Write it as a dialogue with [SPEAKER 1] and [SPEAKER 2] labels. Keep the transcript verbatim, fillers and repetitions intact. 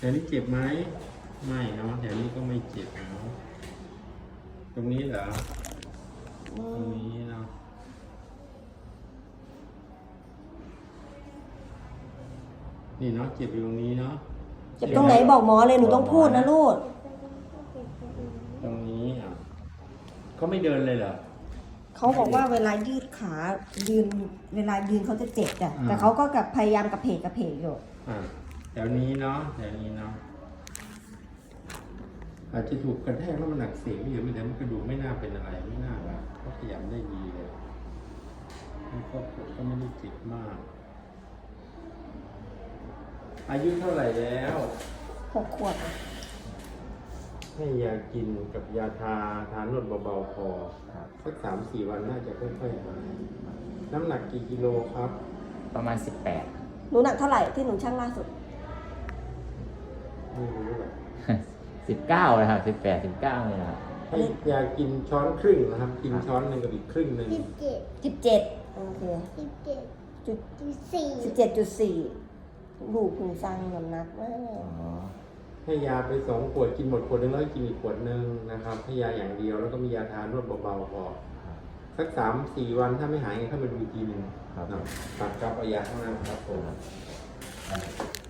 [SPEAKER 1] วนี้เจ็บไหมไม่เนาะแถวนี้ก็ไม่เจ็บเนาะตรงนี้เหรอตรงนี้เนาะนี่เนาะเจ็บอยู่ตรงนี้เนาะ
[SPEAKER 2] เจ็บตรงไหนบอกหมอเลยหนูต้องพูดนะลูก
[SPEAKER 1] ตรงนี้อ่ะเขาไม่เดินเลยเหรอ
[SPEAKER 2] เขาบอกว่าเวลายืดขายืนเวลายืนเขาจะเจ็บจ้ะ
[SPEAKER 1] อ่า
[SPEAKER 2] แต่เขาก็กับพยายามกระเพกกระเพกอยู่
[SPEAKER 1] อ่ะแถวนี้เนาะแถวนี้เนาะอาจจะถูกกระแทกแล้วมันหนักเสียงอยู่แต่มันกระดูกไม่น่าเป็นอะไรไม่น่าว่าเขาขยับได้ดีเลยแล้วก็ปวดก็ไม่ได้เจ็บมาก อายุเท่าไหร่แล้ว
[SPEAKER 2] หกขวบ
[SPEAKER 1] ให้ยากินกับยาทาทานวดเบาๆพอสักสามสี่วันน่าจะค่อยๆหายน้ำหนักกี่กิโลครับ
[SPEAKER 3] ประมาณสิบแปด
[SPEAKER 2] หนูหนักเท่าไหร่ที่หนูชั่งล่าสุด
[SPEAKER 1] ไม่รู้หรอก
[SPEAKER 3] สิบเก้าเลยครับสิบแปดสิบเก้าเลยครับ
[SPEAKER 1] ให้ยากินช้อนครึ่งนะครับ กินช้อนหนึ่งกับอีกครึ่งหนึ่ง
[SPEAKER 4] สิบเจ็ด
[SPEAKER 2] สิบเจ็ดโอเค
[SPEAKER 4] สิบเจ็ด
[SPEAKER 2] จุด
[SPEAKER 4] สิบสี่
[SPEAKER 2] สิบเจ็ดจุดสี่ลูกคุณสร้างน้ำหนักมาก
[SPEAKER 3] อ๋อ
[SPEAKER 1] ให้ยาไปสองขวดกินหมดขวดหนึงแล้วกินอีกขวดหนึ่งนะครับให้ยาอย่างเดียวแล้วก็มียาทานวดเบาๆพอสักสามสี่วันถ้าไม่หายเข้ามาดูอีกทีหนึ่ง
[SPEAKER 3] ครับ
[SPEAKER 1] นะตัดกลับเอายาข้างหน้าครับผม